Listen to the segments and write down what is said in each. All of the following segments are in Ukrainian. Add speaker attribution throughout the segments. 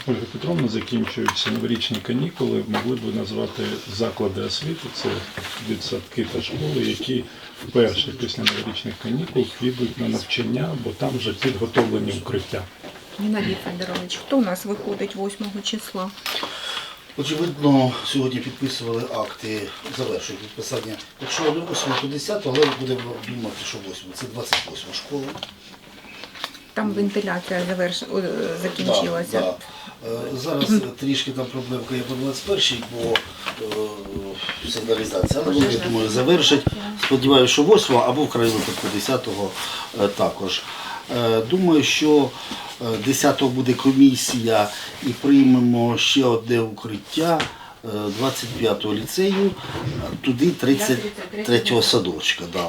Speaker 1: Ольга Петровна, закінчуються новорічні канікули. Могли б назвати заклади освіти, це дитсадки та школи, які вперше після новорічних канікул підуть на навчання, бо там вже підготовлені укриття.
Speaker 2: Геннадій Федорович, хто у нас виходить 8 числа?
Speaker 3: Очевидно, сьогодні підписували акти, завершують підписання. Якщо не 8, то 10, але будемо думати, що 8. Це 28 школа.
Speaker 2: Там вентиляція закінчилася.
Speaker 3: Да. Зараз трішки там проблемка є по 21-й, бо сигналізація, але вони, я думаю, завершать. Сподіваюся, що 8 або в крайньому випадку 10-го також. Думаю, що 10-го буде комісія і приймемо ще одне укриття 25-го ліцею, туди 33-го садочка. Да.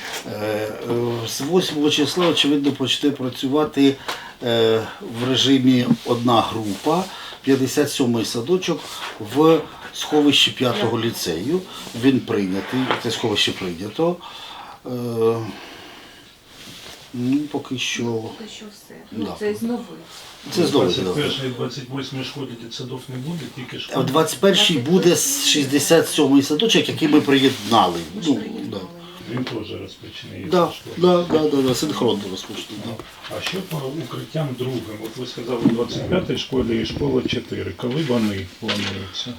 Speaker 3: З 8 числа, очевидно, почне працювати в режимі одна група, 57-й садочок в сховищі 5-го ліцею. Він прийнятий, це сховище прийнято. Ну, поки що...
Speaker 2: Поки що все. Ну, це з нових.
Speaker 3: Це з нових.
Speaker 1: 21 і 28 школі дитсадок не буде, тільки
Speaker 3: В
Speaker 1: школи.
Speaker 3: 21-й буде 67-й садочок, який ми приєднали. Ну, да.
Speaker 1: Він теж розпочне.
Speaker 3: Да, синхронно розпочне. Да.
Speaker 1: А що по укриттям другим? От ви сказали, у 25-й школі і школа 4. Коли вони плануються?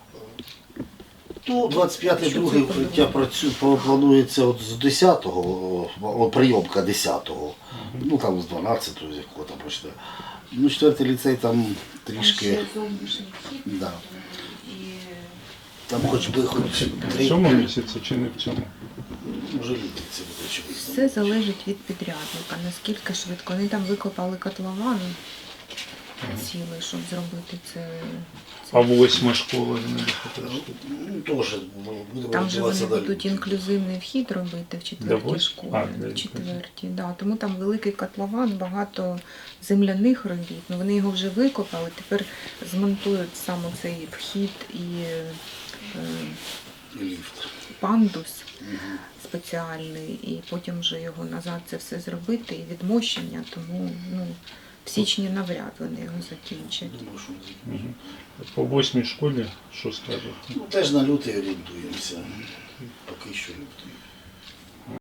Speaker 3: Ну, 25-й другий укриття планується от з 10-го, прийомка 10-го, ну там з 12-го, з якого там почне. Ну, 4-й ліцей там трішки,
Speaker 2: Ще зовнішній вхід.
Speaker 3: да.
Speaker 2: І
Speaker 3: Там хоч би
Speaker 1: В цьому місяці чи не в цьому?
Speaker 3: може літи це буде очевидно.
Speaker 2: все залежить від підрядника, наскільки швидко. Вони там викопали котлован цілий, щоб зробити це.
Speaker 1: А 8 школа не буде?
Speaker 3: Ну, теж будемо
Speaker 2: Там же вони
Speaker 3: розвиватися далі.
Speaker 2: будуть інклюзивний вхід робити в четвертій
Speaker 1: восьми?
Speaker 2: школі.
Speaker 1: А, для
Speaker 2: В четвертій, да. Тому там великий котлован, багато земляних робіт. Ну, вони його вже викопали, тепер змонтують саме цей вхід і
Speaker 3: І ліфт.
Speaker 2: пандус спеціальний, і потім вже його назад це все зробити, і відмощення, тому ну, в січні навряд вони його закінчать.
Speaker 3: Думаю, що не закінчимо.
Speaker 1: По 8 школі що скажете?
Speaker 3: Ну, теж на лютий орієнтуємося. Поки що лютий.